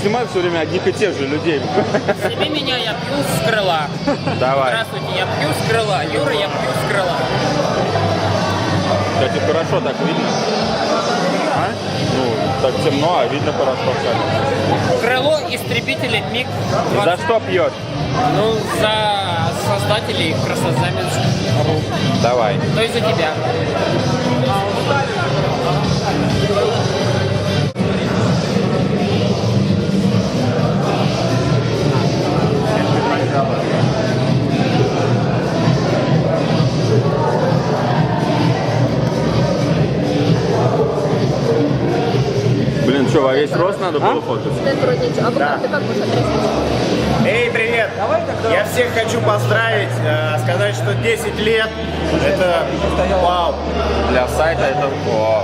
снимаю все время одних и тех же людей. Сними меня, я пью с крыла. Давай. Здравствуйте, я пью с крыла. Юра, я пью с крыла. Кстати, хорошо так видно. А? Ну, так темно, а видно хорошо. Крыло истребителя МиГ-20. За что пьешь? Ну, за создателей Красозаменск. Давай. То есть за тебя. Блин, что, во весь рост надо было фоткаться? Да. Ты как будешь отрезать? Эй, привет! Я всех хочу поздравить, сказать, что 10 лет это вау. Для сайта это вау.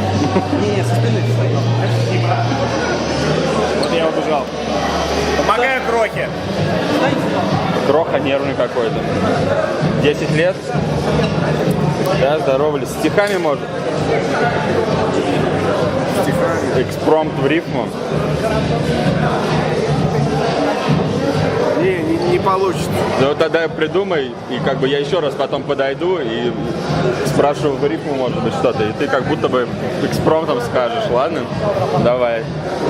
Вот я убежал. Помогаю Крохе. Кроха нервный какой-то. 10 лет. Да, здорово. С стихами может? Экспромт в рифму. Не получится. Ну вот тогда придумай, и как бы я еще раз потом подойду и спрашиваю в рифму, может быть, что-то. И ты как будто бы экспромтом скажешь, ладно? Давай.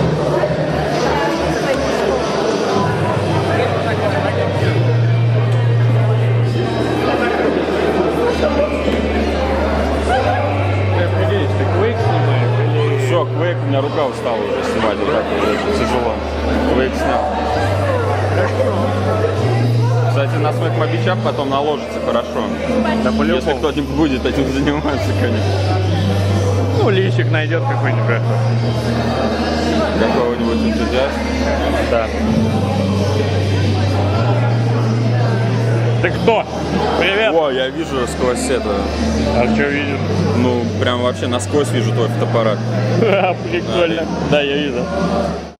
Все, квейк, у меня рука устала уже снимать, вот так вот, очень тяжело. Квейк снял. Кстати, на смэк мобичап потом наложится хорошо. Да, если кто-нибудь будет этим заниматься, конечно. Ну, личик найдет какой-нибудь. Какого-нибудь энтузиаста. Да. Ты кто? Привет. О, я вижу сквозь это. А что видишь? Ну, прям вообще насквозь вижу твой фотоаппарат. Прикольно. Да, я вижу.